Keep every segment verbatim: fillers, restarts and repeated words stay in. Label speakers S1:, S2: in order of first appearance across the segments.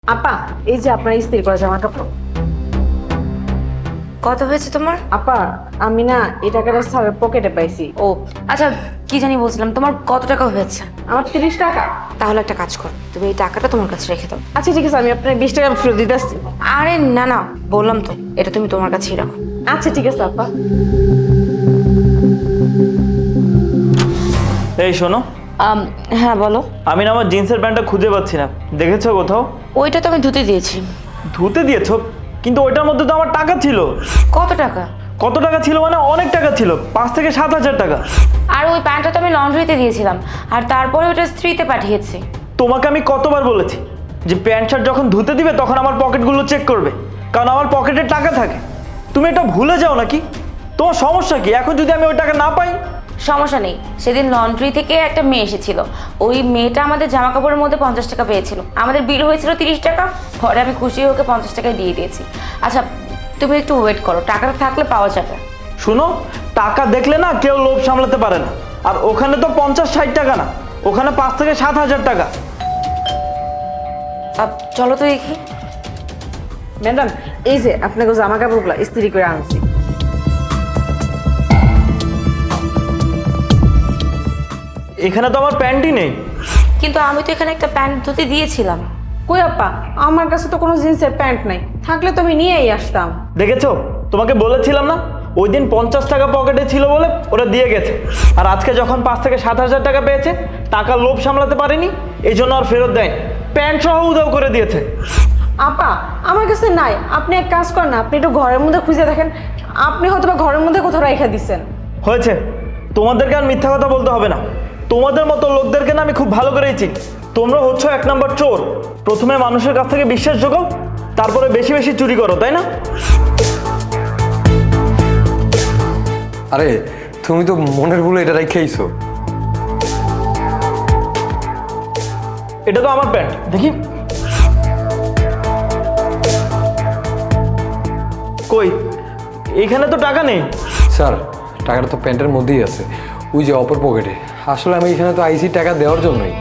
S1: আপা এই যে আপনার ইস্ত্রি করা জামা কাপড়।
S2: কত হয়েছে তোমার?
S1: আপা আমি না এই টাকাটা স্যারের পকেটে পাইছি।
S2: ও আচ্ছা, কি জানি বলছিলাম, তোমার কত টাকা হয়েছে?
S1: আমার তিরিশ টাকা।
S2: তাহলে একটা কাজ করো, তুমি এই টাকাটা তোমার কাছে রেখে দাও।
S1: আচ্ছা ঠিক আছে, আমি আপনার বিশ টাকা ফেরত দিতে আসছি।
S2: আরে না না, বললাম তো, এটা তুমি তোমার কাছেই রাখো।
S1: আচ্ছা ঠিক আছে আপা।
S3: এই শোনো,
S2: আম, হ্যাঁ বলো।
S3: আমি না আমার জিন্সের প্যান্টটা খুঁজে পাচ্ছি না, দেখেছো কোথাও?
S2: ওইটা তো আমি ধুতে দিয়েছি।
S3: ধুতে দিয়েছো? কিন্তু ওইটার মধ্যে তো আমার টাকা ছিল।
S2: কত টাকা?
S3: কত টাকা ছিল মানে অনেক টাকা ছিল, পাঁচ থেকে সাত হাজার টাকা।
S2: আর ওই প্যান্টটা তো আমি লন্ড্রিতে দিয়েছিলাম, আর তারপরে ওটা স্ত্রীতে পাঠিয়েছি।
S3: তোমাকে আমি কতবার বলেছি যে প্যান্ট শার্ট যখন ধুতে দিবে তখন আমার পকেটগুলো চেক করবে, কারণ আমার পকেটে টাকা থাকে। তুমি এটা ভুলে যাও নাকি? তোমার সমস্যা কি? এখন যদি আমি ওই টাকা না পাই?
S2: সমস্যা নেই, সেদিন লন্ড্রি থেকে একটা মেয়ে এসেছিল, ওই মেয়েটা আমাদের জামা কাপড়ের মধ্যে পঞ্চাশ টাকা পেয়েছিল, আমাদের বিল হয়েছিল তিরিশ টাকা, পরে আমি খুশি হয়ে ওকে পঞ্চাশ টাকায় দিয়ে দিয়েছি। আচ্ছা তুমি একটু ওয়েট করো, টাকাটা থাকলে পাওয়া যাবে।
S3: শুনো, টাকা দেখলে না কেউ লোভ সামলাতে পারে না। আর ওখানে তো পঞ্চাশ ষাট টাকা না, ওখানে পাঁচ থেকে সাত হাজার টাকা।
S2: আপ, চলো তো দেখি।
S1: ম্যাডাম এই যে আপনাকে জামা কাপড়গুলো ইস্ত্রি করে আনছি।
S3: এখানে তো আমার প্যান্টই নেই।
S2: কিন্তু আমি তো এখানে একটা প্যান্ট ধুতে দিয়েছিলাম।
S1: কই আপা, আমার কাছে তো কোনো জিন্সের প্যান্ট নাই, থাকলে তো আমি নিয়েই আসতাম।
S3: দেখেছো, তোমাকে বলেছিলাম না ওই দিন পঞ্চাশ টাকা পকেটে ছিল বলে ওরা দিয়ে গেছে। আর আজকে যখন পাঁচ থেকে সাত হাজার টাকা পেয়েছে, টাকার লোভ সামলাতে পারেনি, এই জন্য আর ফেরত দেয়, প্যান্ট সহ উধাও করে দিয়েছে।
S1: আপা আমার কাছে নাই, আপনি এক কাজ করেন না, আপনি একটু ঘরের মধ্যে খুঁজে দেখেন, আপনি হয়তো বা ঘরের মধ্যে কোথাও রেখে দিচ্ছেন।
S3: হয়েছে, তোমাদেরকে আর মিথ্যা কথা বলতে হবে না। তোমাদের মতো লোকদেরকে না আমি খুব ভালো করেই চিনি। তোমরা হচ্ছ এক নম্বর চোর। প্রথমে মানুষের কাছ থেকে বিশ্বাস জোগাও, তারপরে বেশি বেশি চুরি করো, তাই না?
S4: আরে তুমি তো মনের ভুলে এটা রেখেইছো।
S3: এটা তো আমার প্যান্ট, দেখি কই, এখানে তো টাকা নেই।
S4: স্যার টাকাটা তো প্যান্টের মধ্যেই আছে, ওই যে অপর পকেটে। আসলে আমি এখানে তো আইসি টাকা দেওয়ার জন্যই।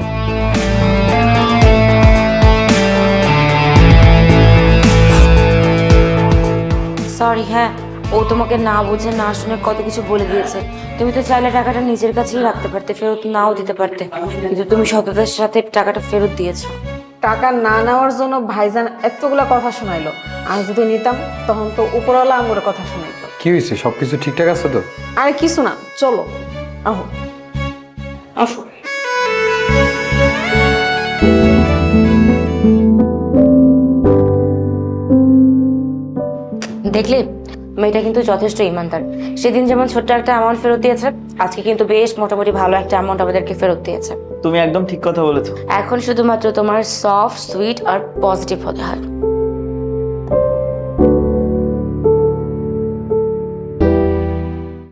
S2: সরি, হ্যাঁ ও তোমাকে না বুঝে না শুনে কত কিছু বলে দিয়েছে। তুমি তো চাইলে টাকাটা নিজের কাছেই রাখতে পারতে, ফেরত নাও দিতে পারতে, কিন্তু তুমি সততার সাথে টাকাটা ফেরত দিয়েছো।
S1: টাকা না নেওয়ার জন্য ভাইজান এতগুলা কথা শোনাইলো, আমি যদি নিতাম তখন তো উপরওয়ালা আমার কথা শোনাইতো।
S4: কি হয়েছে, সব কিছু ঠিকঠাক আছে তো?
S1: আরে কিছু না, চলো আহো আসো।
S2: দেখলে মেয়েটা কিন্তু যথেষ্ট ইমানদার। সেদিন যেমন ছোট্ট একটা অ্যামাউন্ট ফেরত দিয়েছে, আজকে কিন্তু বেশ মোটামুটি ভালো একটা অ্যামাউন্ট আমাদেরকে ফেরত দিয়েছে।
S3: তুমি একদম ঠিক কথা বলেছো।
S2: এখন শুধুমাত্র তোমার সফট সুইট আর পজিটিভ হতে হয়।